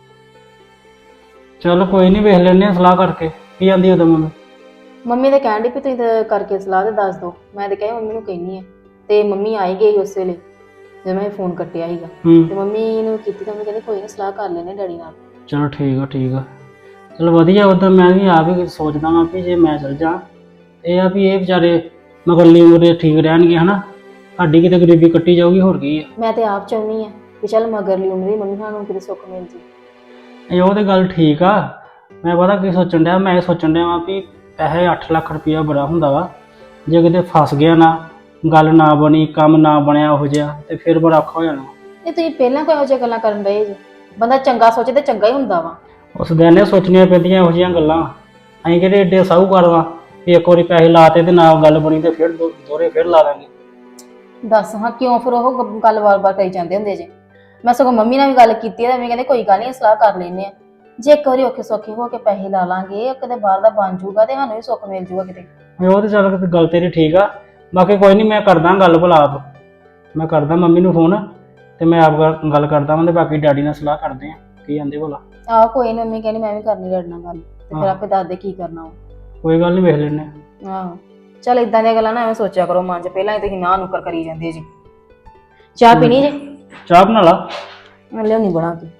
F: ਚਲ ਕੋਈ ਨਹੀਂ, ਵੇਖ ਲੈਨੇ ਆ ਸਲਾਹ ਕਰਕੇ। ਕੀ ਆਂਦੀ ਉਦੋਂ ਮੰਮੀ?
C: ਮੰਮੀ ਤੇ ਕਹਿਣ ਡਈ ਵੀ ਤੁਸੀਂ ਤਾਂ ਕਰਕੇ ਸਲਾਹ ਤੇ ਦੱਸ ਦਿਓ। ਮੈਂ ਤੇ ਕਿਹਾ ਮੰਮੀ ਨੂੰ ਕਹਿਨੀ ਆ, ਤੇ ਮੰਮੀ ਆਈ ਗਈ ਉਸ ਵੇਲੇ ਜਦੋਂ ਮੈਂ ਫੋਨ ਕੱਟਿਆ ਸੀਗਾ। ਤੇ ਮੰਮੀ ਨੂੰ ਕੀਤੀ ਤਾਂ ਮੰਮੀ ਕਹਿੰਦੇ ਕੋਈ ਨਾ ਸਲਾਹ ਕਰ ਲੈਨੇ ਡੈਡੀ ਨਾਲ।
F: ਚਲੋ ਠੀਕ ਆ ਠੀਕ ਆ, ਚਲ ਵਧੀਆ। ਉਦੋਂ ਮੈਂ ਵੀ ਆਪ ਹੀ ਸੋਚਦਾ ਵਾਂ ਵੀ ਜੇ ਮੈਂ ਚਲ ਜਾ, ਇਹ ਆ ਵੀ ਇਹ ਵਿਚਾਰੇ ਮਗਰਲੀ ਉਮਰੇ ਠੀਕ ਰਹਿਣਗੇ ਹਨਾ, ਸਾਡੀ ਕਿਤੇ ਗਰੀਬੀ ਕੱਟੀ ਜਾਊਗੀ, ਹੋਰ ਕੀ ਆ।
C: ਮੈਂ ਤੇ ਆਪ ਚਾਹੁੰਦੀ ਆ ਵੀ ਚੱਲ ਮਗਰਲੀ ਉਮਰ ਦੀ ਮੰਮੀ ਸਾਨੂੰ ਕਿਤੇ ਸੁੱਖ ਮਿਲ ਜੀ।
F: ਇਹ ਉਹ ਤੇ ਗੱਲ ਠੀਕ ਆ। ਮੈਂ ਪਤਾ ਕੀ ਸੋਚਣ ਡਿਆ, ਮੈਂ ਇਹ ਸੋਚਣ ਡਿਆ ਵਾਂ ਵੀ ਪੈਸੇ 8 ਲੱਖ ਰੁਪਇਆ ਬੜਾ ਹੁੰਦਾ ਵਾ, ਜੇ ਕਿਤੇ ਫਸ ਗਿਆ ਨਾ, ਗੱਲ ਨਾ ਬਣੀ, ਕੰਮ ਨਾ ਬਣਿਆ ਉਹੋ ਜਿਹਾ, ਤੇ ਫਿਰ ਬੜਾ ਔਖਾ ਹੋ ਜਾਣਾ।
C: ਇਹ ਤੁਸੀਂ ਪਹਿਲਾਂ ਕੋਈ ਇਹੋ ਜਿਹੀਆਂ ਗੱਲਾਂ ਕਰਨ ਡਏ ਜੇ? ਬੰਦਾ ਚੰਗਾ ਸੋਚੇ ਤੇ ਚੰਗਾ ਹੀ ਹੁੰਦਾ ਵਾ।
F: ਉਸ ਦਿਨ ਨੇ ਸੋਚਣੀਆਂ ਪੈਂਦੀਆਂ ਇਹੋ ਜਿਹੀਆਂ ਗੱਲਾਂ। ਅਸੀਂ ਕਿਹੜੇ ਏਡੇ ਸਾਹੂਕਾਰ ਵਾਂ ਵੀ ਇੱਕ ਵਾਰੀ ਪੈਸੇ ਲਾਤੇ ਤੇ ਨਾ ਗੱਲ ਬਣੀ ਤੇ ਫਿਰ ਦੋਹਰੇ ਫਿਰ ਲਾ ਲਾਂਗੇ।
C: ਦੱਸ ਹਾਂ ਕਿਉਂ ਫਿਰ ਉਹ ਗੱਲ ਵਾਰ-ਵਾਰ ਕਰੀ ਜਾਂਦੇ ਹੁੰਦੇ ਜੇ? ਮੈਂ ਸਗੋਂ ਮੰਮੀ ਨਾਲ ਵੀ ਗੱਲ ਕੀਤੀ ਹੈ, ਮੈਂ ਕਹਿੰਦੇ ਕੋਈ ਗੱਲ ਨਹੀਂ, ਸਲਾਹ ਕਰ ਲੈਨੇ ਆ। ਜੇ ਇੱਕ ਵਾਰੀ ਔਖੇ ਸੌਖੇ ਹੋ ਕੇ ਪੈਸੇ ਲਾ ਲਾਂਗੇ, ਕਿਤੇ ਬਾਹਰ ਦਾ ਬਣ ਜਾਊਗਾ ਤੇ ਸਾਨੂੰ ਵੀ ਸੁੱਖ ਮਿਲ ਜਾਊਗਾ ਕਿਤੇ।
F: ਉਹ ਤੇ ਚੱਲ ਗੱਲ ਤੇਰੀ ਠੀਕ ਆ, ਬਾਕੀ ਕੋਈ ਨਹੀਂ, ਮੈਂ ਕਰਦਾ ਗੱਲ ਭਲਾ ਆਪ। ਮੈਂ ਕਰਦਾ ਮੰਮੀ ਨੂੰ ਫੋਨ ਤੇ ਮੈਂ ਆਪ ਗੱਲ ਕਰਦਾ ਵਾਂ, ਤੇ ਬਾਕੀ ਡੈਡੀ ਨਾਲ ਸਲਾਹ ਕਰਦੇ ਆ ਕੀ ਆਂਦੇ ਭਲਾ।
C: ਆਹ ਕੋਈ ਨੀ, ਮੰਮੀ ਕਹਿੰਦੀ ਮੈਂ ਵੀ ਕਰਨੀ ਡੈਡੀ ਨਾਲ ਗੱਲ, ਤੇ ਫਿਰ ਆਪੇ ਦੱਸਦੇ ਕੀ ਕਰਨਾ ਵਾ।
F: ਕੋਈ ਗੱਲ ਨਹੀਂ, ਵੇਖ ਲੈਨੇ ਆ।
C: ਆਹੋ ਚੱਲ ਇਦਾਂ ਦੀਆਂ ਗੱਲਾਂ ਨਾ ਐਵੇਂ ਸੋਚਿਆ ਕਰੋ ਮਨ 'ਚ, ਪਹਿਲਾਂ ਹੀ ਤੁਸੀਂ ਨਾ ਨੁੱਕਰ ਕਰੀ ਜਾਂਦੇ ਜੀ। ਚਾਹ ਪੀਣੀ ਜੇ?
F: ਚਾਹ ਬਣਾ ਲਾ।
C: ਮੈਂ ਲਿਆਉਣੀ ਬਣਾ ਕੇ।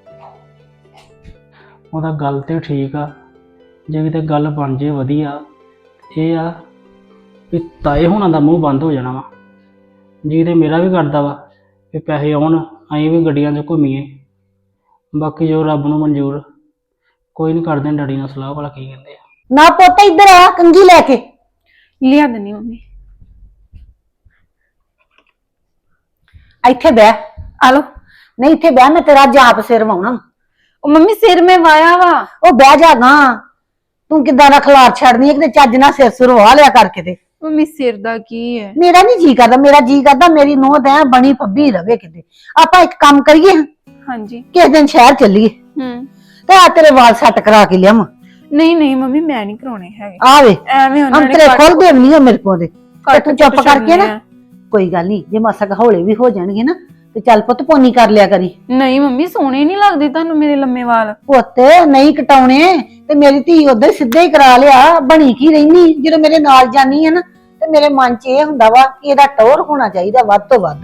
F: ਉਹਦਾ ਗੱਲ ਤੇ ਠੀਕ ਆ, ਜੇ ਕਿਤੇ ਗੱਲ ਬਣ ਜੇ ਵਧੀਆ। ਇਹ ਆ ਵੀ ਤਾਏ ਹੋਣਾ ਦਾ ਮੂੰਹ ਬੰਦ ਹੋ ਜਾਣਾ ਵਾ, ਜੀ ਤੇ ਮੇਰਾ ਵੀ ਕਰਦਾ ਵਾ ਕਿ ਪੈਸੇ ਆਉਣ, ਅਸੀਂ ਵੀ ਗੱਡੀਆਂ 'ਚ ਘੁੰਮੀਏ। ਬਾਕੀ ਜੋ ਰੱਬ ਨੂੰ ਮਨਜ਼ੂਰ। ਕੋਈ ਨਹੀਂ, ਕਰਦੇ ਡੈਡੀ ਨਾਲ ਸਲਾਹ ਵਾਲਾ ਕੀ ਕਹਿੰਦੇ ਆ।
E: ਨਾ ਪੁੱਤ ਇੱਧਰ ਆ, ਕੰਗੀ ਲੈ ਕੇ
A: ਲਿਆ ਦਿੰਨੀ ਮੰਮੀ।
E: ਇੱਥੇ ਬਹਿ।
A: ਆ ਲੋ।
E: ਨਹੀਂ ਇੱਥੇ ਬਹਿ, ਮੈਂ ਤੇਰਾ ਜਾਪ ਸਿਰ ਵਾਉਣਾ।
A: ਉਹ ਮੰਮੀ ਸਿਰ ਮੈਂ ਵਾਇਆ ਵਾ।
E: ਉਹ ਬਹਿ ਜਾ ਨਾ, ਤੂੰ ਕਿੱਦਾਂ ਦਾ ਖਲਾਰ ਛੱਡਨੀ ਹੈ, ਕਿਤੇ ਚੱਜ ਨਾਲ ਸਿਰ ਸੁਰ ਵਾਹ ਲਿਆ ਕਰ ਕਿਤੇ।
A: ਮੰਮੀ ਸਿਰ ਦਾ ਕੀ ਹੈ?
E: ਮੇਰਾ ਨਹੀਂ ਜੀ ਕਰਦਾ, ਮੇਰਾ ਜੀ ਕਰਦਾ ਮੇਰੀ ਨੂੰਹ ਤਾਂ ਬਣੀ ਫੱਬੀ ਰਵੇ ਕਿਤੇ। ਆਪਾਂ ਇੱਕ ਕੰਮ ਕਰੀਏ,
A: ਹਾਂਜੀ।
E: ਕਿਸੇ ਦਿਨ ਸ਼ਹਿਰ ਚੱਲੀਏ ਤੇ ਆ ਤੇਰੇ ਵਾਲ ਸੈੱਟ ਕਰਾ ਕੇ ਲਿਆਵਾਂ।
A: ਨਹੀਂ ਨਹੀਂ ਮੰਮੀ, ਮੈਂ ਨਹੀਂ ਕਰਾਉਣੇ ਹੈਗੇ
E: ਆਵੇ
A: ਐਵੇਂ ਉਹਨਾਂ ਨੇ
E: ਅੰਤਰੇ ਖੋਲ ਦੇ ਨਹੀਂ ਮੇਰੇ ਕੋਲ ਦੇ। ਤੇ
A: ਕੱਟ
E: ਤੂੰ ਚੁੱਪ
A: ਕੁੱਟ
E: ਕਰਕੇ ਨਾ,
A: ਛੱਡਣੇ
E: ਕੋਈ ਗੱਲ ਨਹੀਂ, ਜੇ ਮਾਸਾ ਹੌਲੇ ਵੀ ਹੋ ਜਾਣਗੇ ਨਾ ਤੇ ਚੱਲ ਪੁੱਤ ਪੋਨੀ ਕਰ ਲਿਆ ਕਰੀ।
A: ਨਹੀਂ ਮੰਮੀ, ਸੋਹਣੇ ਨਹੀਂ ਲੱਗਦੇ ਤੁਹਾਨੂੰ ਮੇਰੇ ਲੰਮੇ ਵਾਲ।
E: ਪੁੱਤ ਨਹੀਂ ਕਟਾਉਣੇ, ਤੇ ਮੇਰੀ ਧੀ ਉਧਰ ਸਿੱਧੇ ਹੀ ਕਰਾ ਲਿਆ। ਬਣੀ ਕੀ ਰਹਿਨੀ ਜਦੋਂ ਮੇਰੇ ਨਾਲ ਜਾਨੀ ਹੈ ਨਾ, ਤੇ ਮੇਰੇ ਮਨ 'ਚ ਇਹ ਹੁੰਦਾ ਵਾ ਕਿ ਇਹਦਾ ਟੌਰ ਹੋਣਾ ਚਾਹੀਦਾ ਵੱਧ ਤੋਂ ਵੱਧ।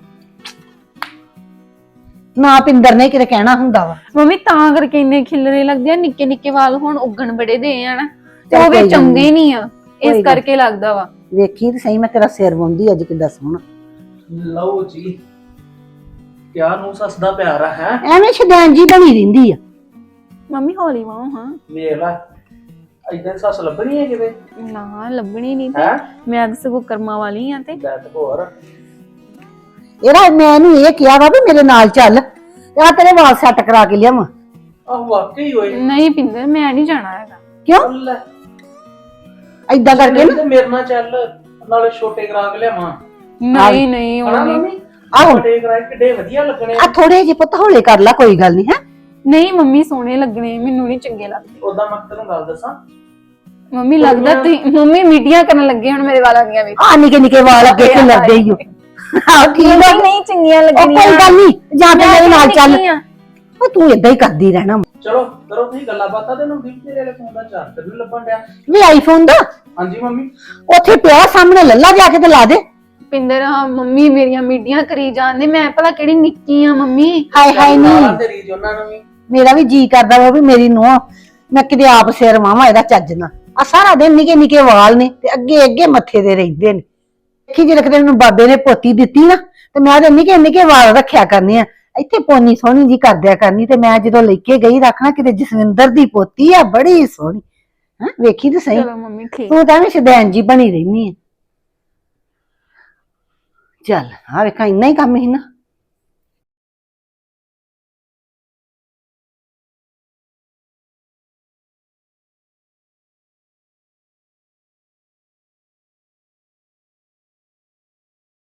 E: ਨਾ ਪਿੰਦਰ ਨੇ ਕਿਤੇ ਕਹਿਣਾ ਹੁੰਦਾ ਵਾ।
A: ਮੰਮੀ ਤਾਂ ਕਰਕੇ ਇੰਨੇ ਖਿਲਰੇ ਲੱਗਦੇ ਆ, ਨਿੱਕੇ ਨਿੱਕੇ ਵਾਲ ਹੁਣ ਉੱਗਣ ਬੜੇ ਦੇ ਆ ਨਾ, ਤੇ
E: ਚੱਲ
A: ਉਹ
E: ਕੋਈ
A: ਵੀ
E: ਗੱਲ
A: ਚੰਗੇ ਨਹੀਂ ਆ,
E: ਕੋਈ
A: ਇਸ
E: ਗੱਲ
A: ਕਰਕੇ ਲੱਗਦਾ ਵਾ।
E: ਵੇਖੀ ਤੇ ਸਹੀ, ਮੈਂ ਤੇਰਾ ਸਿਰ ਵਾਉਂਦੀ ਅੱਜ ਕਿੱਦਾਂ ਸੋਹਣਾ।
F: ਲਓ ਜੀ, ਕਿਆ ਨੂੰ ਸੱਸ ਦਾ ਪਿਆਰ ਆ ਹੈ।
E: ਐਵੇਂ ਸ਼ੈਤਾਨ ਜੀ ਬਣੀ ਰਹਿੰਦੀ ਆ।
A: ਮੰਮੀ ਹੌਲੀ ਵਾਓ ਹਾਂ।
F: ਵੇਖ ਲੈ, ਇਦਾਂ ਸੱਸ ਲੱਭਣੀ ਹੈ ਕਿਤੇ?
A: ਨਾ ਲੱਭਣੀ ਨਹੀਂ ਤੇ
F: ਹੈ
A: ਮੈਂ ਤਾਂ ਸਗੋਂ ਕਰਮਾਂ ਵਾਲੀ ਆ। ਤੇ
F: ਬੈਠ ਹੋਰ
E: ਇਹਦਾ ਮੈਂ ਇਹਨੂੰ ਇਹ ਕਿਹਾ ਵਾ ਵੀ ਮੇਰੇ ਨਾਲ ਚੱਲ, ਤੇ ਆ ਤੇਰੇ ਵਾਲ ਸੈੱਟ ਕਰਾ ਕੇ ਲਿਆਵਾਂ।
F: ਆਹ ਵਾਕਈ ਹੋਏ।
A: ਨਹੀਂ ਪਿੰਦਰ, ਮੈਂ ਨਹੀਂ ਜਾਣਾ ਹੈਗਾ।
E: ਕਿਉਂ?
F: ਲੈ
E: ਏਦਾਂ ਕਰਕੇ ਨਾ,
F: ਮੇਰੇ ਨਾਲ ਚੱਲ, ਨਾਲੇ ਛੋਟੇ ਕਰਾ ਕੇ ਲਿਆਵਾਂ।
A: ਨਹੀਂ ਨਹੀਂ ਉਹ ਨਹੀਂ।
E: ਆਹੋ
F: ਛੋਟੇ ਕਰਾ ਕੇ ਕਿੱਡੇ ਵਧੀਆ ਲੱਗਣੇ।
E: ਆ ਥੋੜੇ ਜਿਹੇ ਪੁੱਤ ਹੌਲੇ ਕਰ ਲੈ, ਕੋਈ ਗੱਲ ਨਹੀਂ ਹੈ।
A: ਨਹੀਂ ਮੰਮੀ, ਸੋਹਣੇ ਲੱਗਣੇ, ਮੈਨੂੰ ਨਹੀਂ ਚੰਗੇ ਲੱਗਦੇ।
F: ਉਦਾਂ ਮੈਂ ਤੈਨੂੰ ਗੱਲ ਦੱਸਾਂ,
G: ਮੰਮੀ ਲੱਗਦਾ ਤੁਸੀਂ ਮੰਮੀ ਮੀਡੀਆ ਕਰਨ ਲੱਗੇ ਹੁਣ ਮੇਰੇ ਵਾਲਾਂ ਦੀਆਂ ਵੀ
E: ਆ ਨਿੱਕੇ ਨਿੱਕੇ ਵਾਲ ਅੱਗੇ ਕਿ ਲੱਗਦੇ ਹੀ ਹੋ ਆਹ ਠੀਕ ਆ
G: ਨਹੀਂ ਚੰਗੀਆਂ
E: ਉਹ
G: ਲੱਗਣੀਆਂ
E: ਕੋਈ ਗੱਲ ਨਹੀਂ ਜਾਂ ਤੇ ਮੇਰੇ ਨਾਲ ਚੱਲ
G: ਨਿੱਕੀ ਆ।
E: ਉਹ ਤੂੰ ਇਦਾਂ ਹੀ ਕਰਦੀ ਰਹਿਣਾ
F: ਚਲੋ ਕਰੋ ਤੁਸੀਂ ਗੱਲਾਂ ਬਾਤਾਂ ਤੇ ਨੂੰ ਠੀਕ ਤੇਰੇ ਵਾਲੇ ਫੋਨ ਦਾ ਚਾਰਜਰ ਨਹੀਂ ਲੱਭਣ ਡਿਆ।
E: ਵੀ ਆਈਫੋਨ ਦਾ
F: ਹਾਂਜੀ ਮੰਮੀ।
E: ਉੱਥੇ ਪਿਆ ਸਾਹਮਣੇ ਲੱਲਾ ਜਾ ਕੇ ਤੇ ਲਾ ਦੇ
G: ਪਿੰਦਰ ਹਾਂ ਮੰਮੀ ਮੇਰੀਆਂ ਮੀਡੀਆਂ ਕਰੀ ਜਾਂਦੇ ਮੈਂ ਭਲਾ ਕਿਹੜੀ ਨਿੱਕੀ ਆ ਮੰਮੀ
E: ਹਾਏ ਹਾਏ ਨਹੀਂ
F: ਤੇ ਰੀਜ ਉਹਨਾਂ ਨੂੰ ਵੀ।
E: ਮੇਰਾ ਵੀ ਜੀ ਕਰਦਾ ਵਾ ਵੀ ਮੇਰੀ ਨੂੰਹ ਮੈਂ ਕਿਤੇ ਆਪ ਸਿਰ ਵਾਵਾਂ ਇਹਦਾ ਚੱਜ ਨਾ ਆ ਸਾਰਾ ਦਿਨ ਨਿੱਕੇ ਨਿੱਕੇ ਵਾਲ ਨੇ ਤੇ ਅੱਗੇ ਅੱਗੇ ਮੱਥੇ ਦੇ ਰਹਿੰਦੇ ਨੇ ਦੇਖੀ ਜੇ ਕਿਤੇ ਮੈਨੂੰ ਬਾਬੇ ਨੇ ਪੋਤੀ ਦਿੱਤੀ ਨਾ ਤੇ ਮੈਂ ਤੇ ਨਿੱਕੇ ਨਿੱਕੇ ਵਾਲ ਰੱਖਿਆ ਕਰਨੇ ਆ ਇੱਥੇ ਪੋਨੀ ਸੋਹਣੀ ਜੀ ਕਰਦਿਆ ਕਰਨੀ ਤੇ ਮੈਂ ਜਦੋਂ ਲੈ ਕੇ ਗਈ ਰੱਖਣਾ ਕਿਤੇ ਜਸਵਿੰਦਰ ਦੀ ਪੋਤੀ ਆ ਬੜੀ ਸੋਹਣੀ ਹਾਂ ਵੇਖੀ ਤੇ ਸਹੀ
G: ਚਲੋ ਮੰਮੀ ਠੀਕ
E: ਤੂੰ ਤਾਂ ਵੀ ਸ਼ਦੈਨ ਜੀ ਬਣੀ ਰਹਿਨੀ ਆ ਚੱਲ ਆ ਵੇਖਾਂ ਇੰਨਾ ਹੀ ਕੰਮ ਹੀ ਨਾ